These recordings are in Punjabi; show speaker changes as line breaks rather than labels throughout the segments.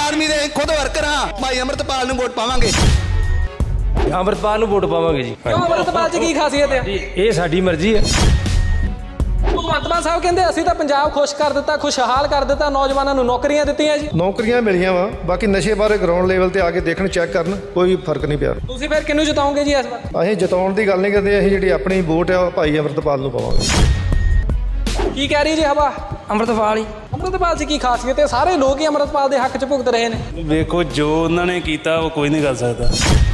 ਆਦਮੀ ਦੇ ਖੁਦ ਵਰਕਰ ਹਾਂ, ਭਾਈ ਅਮਰਤਪਾਲ ਨੂੰ ਵੋਟ ਪਾਵਾਂਗੇ।
ਅੰਮ੍ਰਿਤਪਾਲ ਨੂੰ ਵੋਟ ਪਾਵਾਂਗੇ ਜੀ।
ਕਿਉਂ ਅੰਮ੍ਰਿਤਪਾਲ 'ਚ ਕੀ ਖਾਸੀਅਤ ਹੈ?
ਇਹ ਸਾਡੀ ਮਰਜ਼ੀ ਹੈ।
ਭਗਵੰਤ ਮਾਨ ਸਾਹਿਬ ਕਹਿੰਦੇ ਅਸੀਂ ਤਾਂ ਪੰਜਾਬ ਖੁਸ਼ ਕਰ ਦਿੱਤਾ, ਖੁਸ਼ਹਾਲ ਕਰ ਦਿੱਤਾ, ਨੌਜਵਾਨਾਂ ਨੂੰ ਨੌਕਰੀਆਂ ਦਿੱਤੀਆਂ ਜੀ।
ਨੌਕਰੀਆਂ ਮਿਲੀਆਂ ਵਾ, ਬਾਕੀ ਨਸ਼ੇ ਬਾਰੇ ਗਰਾਊਂਡ ਲੈਵਲ ਤੇ ਆ ਕੇ ਦੇਖਣ, ਚੈੱਕ ਕਰਨ, ਕੋਈ ਫਰਕ ਨਹੀਂ ਪਿਆ।
ਤੁਸੀਂ ਫਿਰ ਕਿਹਨੂੰ ਜਿਤਾਓਗੇ ਜੀ ਇਸ ਵਾਰ?
ਅਸੀਂ ਜਿਤਾਉਣ ਦੀ ਗੱਲ ਨਹੀਂ ਕਰਦੇ, ਅਸੀਂ ਜਿਹੜੀ ਆਪਣੀ ਵੋਟ ਆ ਉਹ ਭਾਈ ਅਮਰਤਪਾਲ ਨੂੰ ਪਾਵਾਂਗੇ।
ਕੀ ਕਹਿ ਰਹੀ ਜੀ ਹਵਾ?
ਅੰਮ੍ਰਿਤਪਾਲ ਹੀ।
ਅੰਮ੍ਰਿਤਪਾਲ 'ਚ ਕੀ ਖਾਸੀਅਤ ਹੈ? ਸਾਰੇ ਲੋਕ ਹੀ ਅੰਮ੍ਰਿਤਪਾਲ ਦੇ ਹੱਕ 'ਚ ਭੁਗਤ ਰਹੇ ਨੇ।
ਵੇਖੋ ਜੋ ਉਹਨਾਂ ਨੇ ਕੀਤਾ ਉਹ ਕੋਈ ਨਹੀਂ ਕਰ ਸਕਦਾ।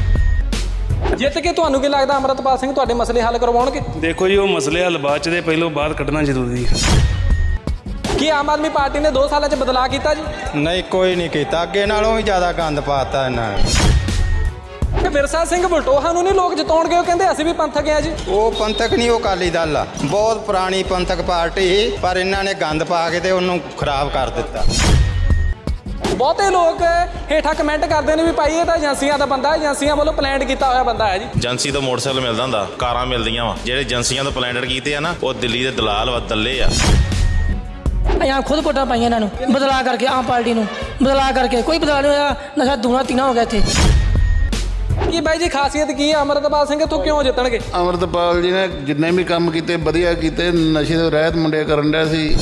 ਜਿੱਤ ਕੇ ਤੁਹਾਨੂੰ ਕੀ ਲੱਗਦਾ ਅੰਮ੍ਰਿਤਪਾਲ ਸਿੰਘ ਤੁਹਾਡੇ ਮਸਲੇ ਹੱਲ ਕਰਵਾਉਣਗੇ?
ਦੇਖੋ ਜੀ ਉਹ ਮਸਲੇ ਹੱਲ ਬਾਅਦ ਚ ਦੇ, ਪਹਿਲੋਂ ਬਾਹਰ ਕੱਢਣਾ ਜ਼ਰੂਰੀ ਹੈ।
ਕੀ ਆਮ ਆਦਮੀ ਪਾਰਟੀ ਨੇ 2 ਸਾਲਾਂ 'ਚ ਬਦਲਾਅ ਕੀਤਾ ਜੀ?
ਨਹੀਂ, ਕੋਈ ਨਹੀਂ ਕੀਤਾ, ਅੱਗੇ ਨਾਲੋਂ ਵੀ ਜ਼ਿਆਦਾ ਗੰਦ ਪਾਤਾ ਇਹਨਾਂ ਨੇ।
ਤੇ ਵਿਰਸਾ ਸਿੰਘ ਬਲਟੋਹਾ ਨੂੰ ਨਹੀਂ ਲੋਕ ਜਿਤਾਉਣਗੇ, ਉਹ ਕਹਿੰਦੇ ਅਸੀਂ ਵੀ ਪੰਥਕ ਆ ਜੀ।
ਉਹ ਪੰਥਕ ਨਹੀਂ, ਉਹ ਅਕਾਲੀ ਦਲ ਆ, ਬਹੁਤ ਪੁਰਾਣੀ ਪੰਥਕ ਪਾਰਟੀ ਸੀ, ਪਰ ਇਹਨਾਂ ਨੇ ਗੰਦ ਪਾ ਕੇ ਤੇ ਉਹਨੂੰ ਖਰਾਬ ਕਰ ਦਿੱਤਾ।
ਬਹੁਤੇ ਲੋਕ ਹੇਠਾਂ ਕਮੈਂਟ ਕਰਦੇ ਨੇ ਵੀ ਭਾਈ ਇਹ ਤਾਂ ਏਜੰਸੀਆਂ ਦਾ ਬੰਦਾ, ਏਜੰਸੀਆਂ ਵੱਲੋਂ ਪਲਾਨ ਕੀਤਾ ਹੋਇਆ ਬੰਦਾ ਹੈ ਜੀ।
ਏਜੰਸੀ ਤੋਂ ਮੋਟਰਸਾਈਕਲ ਮਿਲਦਾ ਹੁੰਦਾ, ਕਾਰਾਂ ਮਿਲਦੀਆਂ ਵਾ, ਜਿਹੜੇ ਏਜੰਸੀਆਂ ਤੋਂ ਪਲਾਨਡ ਕੀਤੇ ਆ ਨਾ, ਉਹ ਦਿੱਲੀ ਦੇ ਦਲਾਲ ਵਾ, ਦੱਲੇ ਆ।
ਅਸੀਂ ਖੁਦ ਵੋਟਾਂ ਪਾਈਆਂ ਇਹਨਾਂ ਨੂੰ, ਬਦਲਾ ਕਰਕੇ, ਆਮ ਪਾਰਟੀ ਨੂੰ ਬਦਲਾ ਕਰਕੇ। ਕੋਈ ਬਦਲਾ ਨਹੀਂ ਹੋਇਆ, ਨਸ਼ਾ ਦੂਣਾ ਤੀਣਾ ਹੋ ਗਿਆ ਇੱਥੇ।
ਕੀ ਬਾਈ ਜੀ ਖਾਸੀਅਤ ਕੀ ਹੈ ਅੰਮ੍ਰਿਤਪਾਲ ਸਿੰਘ ਤੋਂ ਕਿਉਂ ਜਿੱਤਣਗੇ?
ਅਮਰਤਪਾਲ ਜੀ ਨੇ ਜਿੰਨੇ ਵੀ ਕੰਮ ਕੀਤੇ ਵਧੀਆ ਕੀਤੇ, ਨਸ਼ੇ ਤੋਂ ਰਹਿਤ ਮੁੰਡੇ ਕਰਨ ਡਿਆ ਸੀ।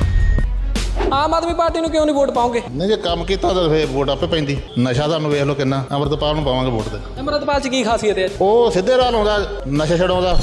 ਆਮ ਆਦਮੀ ਪਾਰਟੀ ਨੂੰ ਕਿਉਂ ਨਹੀਂ ਵੋਟ ਪਾਓਗੇ?
ਨਹੀਂ, ਜੇ ਕੰਮ ਕੀਤਾ ਤਾਂ ਫੇਰ ਵੋਟ ਆਪੇ ਪੈਂਦੀ। ਨਸ਼ਾ ਤੁਹਾਨੂੰ ਵੇਖ ਲਓ ਕਿੰਨਾ, ਅਮਰਤਪਾਲ ਨੂੰ ਪਾਵਾਂਗੇ ਵੋਟ ਤੇ।
ਅੰਮ੍ਰਿਤਪਾਲ 'ਚ ਕੀ ਖਾਸੀਅਤ ਹੈ?
ਉਹ ਸਿੱਧੇ ਰਾਹ ਲਾਉਂਦਾ, ਨਸ਼ਾ ਛਡਾਉਂਦਾ।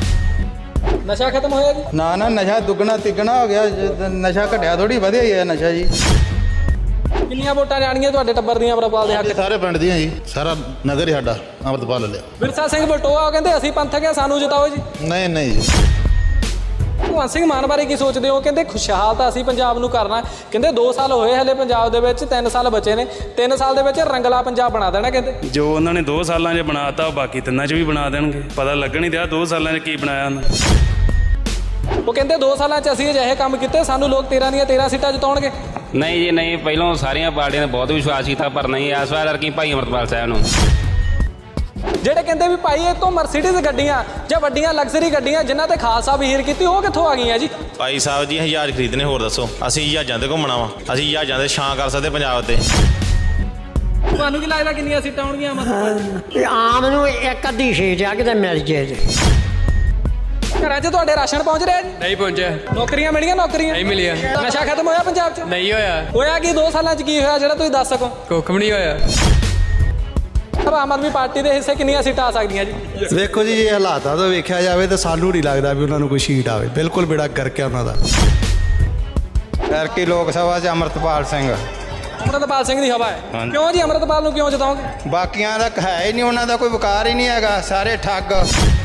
ਨਸ਼ਾ ਖਤਮ ਹੋਇਆ ਜੀ?
ਨਾ ਨਾ, ਨਸ਼ਾ ਦੁੱਗਣਾ ਤਿੱਗਣਾ ਹੋ ਗਿਆ, ਨਸ਼ਾ ਘਟਿਆ ਥੋੜੀ, ਵਧਿਆ ਹੀ ਹੈ ਨਸ਼ਾ ਜੀ।
ਕਿੰਨੀਆਂ ਵੋਟਾਂ ਜਾਣਗੀਆਂ ਤੁਹਾਡੇ ਟੱਬਰ ਦੀਆਂ ਅੰਮ੍ਰਿਤਪਾਲ ਦੇ ਹੱਕ 'ਚ?
ਸਾਰੇ ਪਿੰਡ ਦੀਆਂ ਜੀ, ਸਾਰਾ ਨਗਰ ਹੀ ਸਾਡਾ ਅਮਰਤਪਾਲ ਲੈ ਲਿਆ।
ਵਿਰਸਾ ਸਿੰਘ ਬਲਟੋਹਾ ਕਹਿੰਦੇ ਅਸੀਂ ਪੰਥਕ ਆ, ਸਾਨੂੰ ਜਿਤਾਓ ਜੀ।
ਨਹੀਂ ਨਹੀਂ ਜੀ।
ਭਗਵੰਤ ਸਿੰਘ ਮਾਨ ਬਾਰੇ ਕੀ ਸੋਚਦੇ ਹੋ? ਕਹਿੰਦੇ ਖੁਸ਼ਹਾਲ ਤਾਂ ਅਸੀਂ ਪੰਜਾਬ ਨੂੰ ਕਰਨਾ। ਕਹਿੰਦੇ 2 ਸਾਲ ਹੋਏ ਹਲੇ ਪੰਜਾਬ ਦੇ ਵਿੱਚ, 3 ਸਾਲ ਬਚੇ ਨੇ, 3 ਸਾਲ ਦੇ ਵਿੱਚ ਰੰਗਲਾ ਪੰਜਾਬ ਬਣਾ ਦੇਣਾ ਕਹਿੰਦੇ।
ਜੋ ਉਹਨਾਂ ਨੇ 2 ਸਾਲਾਂ 'ਚ ਬਣਾਤਾ ਉਹ ਬਾਕੀ 3 'ਚ ਵੀ ਬਣਾ ਦੇਣਗੇ। ਪਤਾ ਲੱਗਣ ਹੀ ਦਿਆ 2 ਸਾਲਾਂ 'ਚ ਕੀ ਬਣਾਇਆ ਉਹਨਾਂ ਨੇ।
ਉਹ ਕਹਿੰਦੇ 2 ਸਾਲਾਂ 'ਚ ਅਸੀਂ ਅਜਿਹੇ ਕੰਮ ਕੀਤੇ, ਸਾਨੂੰ ਲੋਕ 13 ਦੀਆਂ 13 ਸੀਟਾਂ ਜਿਤਾਉਣਗੇ।
ਨਹੀਂ ਜੀ ਨਹੀਂ, ਪਹਿਲਾਂ ਸਾਰੀਆਂ ਪਾਰਟੀਆਂ ਨੇ ਬਹੁਤ ਵਿਸ਼ਵਾਸ ਕੀਤਾ, ਪਰ ਨਹੀਂ ਇਸ ਵਾਰ ਕੀ ਭਾਈ ਅਮਰਤਪਾਲ ਸਾਹਿਬ ਨੂੰ।
ਜਿਹੜੇ ਕਹਿੰਦੇ ਵੀ ਭਾਈ ਇਹ ਤੋਂ ਮਰਸੀਡੀਜ਼ ਗੱਡੀਆਂ ਜਾਂ ਵੱਡੀਆਂ ਲਗਜ਼ਰੀ ਗੱਡੀਆਂ ਜਿਨ੍ਹਾਂ ਤੇ ਖਾਲਸਾ ਵਹੀਰ ਕੀਤੀ, ਉਹ ਕਿੱਥੋਂ ਆ ਗਈਆਂ ਜੀ?
ਭਾਈ ਸਾਹਿਬ ਜੀ ਅਸੀਂ ਜਹਾਜ਼ ਖਰੀਦਣੇ, ਹੋਰ ਦੱਸੋ। ਅਸੀਂ ਜਹਾਜ਼ਾਂ ਤੇ ਘੁੰਮਣਾ ਵਾ, ਅਸੀਂ ਜਹਾਜ਼ਾਂ ਤੇ ਛਾਂ ਕਰ ਸਕਦੇ ਪੰਜਾਬ ਤੇ।
ਤੁਹਾਨੂੰ ਕੀ ਲੱਗਦਾ ਕਿੰਨੀਆਂ ਸੀਟਾਂ ਆਉਣਗੀਆਂ ਮਤਲਬ?
ਆਮ ਨੂੰ ਇੱਕ ਅੱਧੀ ਸੀਟ ਆ ਕਿਤੇ ਮਿਲ ਜੇ ਜੀ।
ਘਰਾਂ 'ਚ ਤੁਹਾਡੇ ਰਾਸ਼ਨ ਪਹੁੰਚ ਰਿਹਾ ਜੀ?
ਨਹੀਂ ਪਹੁੰਚਿਆ।
ਨੌਕਰੀਆਂ ਮਿਲੀਆਂ? ਨੌਕਰੀਆਂ
ਨਹੀਂ ਮਿਲਿਆ।
ਨਸ਼ਾ ਖਤਮ ਹੋਇਆ ਪੰਜਾਬ 'ਚ?
ਨਹੀਂ ਹੋਇਆ।
ਹੋਇਆ ਕੀ 2 ਸਾਲਾਂ 'ਚ? ਕੀ ਹੋਇਆ ਜਿਹੜਾ ਤੁਸੀਂ ਦੱਸ ਸਕੋ?
ਕੁੱਖ ਵੀ ਨਹੀਂ ਹੋਇਆ।
ਆਮ ਆਦਮੀ ਪਾਰਟੀ ਦੇ ਹਿੱਸੇ ਕਿੰਨੀਆਂ ਸੀਟਾਂ ਆ ਸਕਦੀਆਂ ਜੀ?
ਵੇਖੋ ਜੀ, ਜੇ ਹਾਲਾਤਾਂ ਤੋਂ ਵੇਖਿਆ ਜਾਵੇ ਤਾਂ ਸਾਨੂੰ ਨਹੀਂ ਲੱਗਦਾ ਵੀ ਉਹਨਾਂ ਨੂੰ ਕੋਈ ਸੀਟ ਆਵੇ। ਬਿਲਕੁਲ ਬੇੜਾ ਕਰਕੇ ਉਹਨਾਂ ਦਾ।
ਐਤਕੀ ਲੋਕ ਸਭਾ 'ਚ ਅਮਰਤਪਾਲ ਸਿੰਘ।
ਅੰਮ੍ਰਿਤਪਾਲ ਸਿੰਘ ਦੀ ਹਵਾ ਹੈ। ਕਿਉਂ ਜੀ ਅੰਮ੍ਰਿਤਪਾਲ ਨੂੰ ਕਿਉਂ ਜਿਤਾਓਗੇ?
ਬਾਕੀਆਂ ਦਾ ਹੈ ਹੀ ਨਹੀਂ, ਉਹਨਾਂ ਦਾ ਕੋਈ ਵਕਾਰ ਹੀ ਨਹੀਂ ਹੈਗਾ, ਸਾਰੇ ਠੱਗ।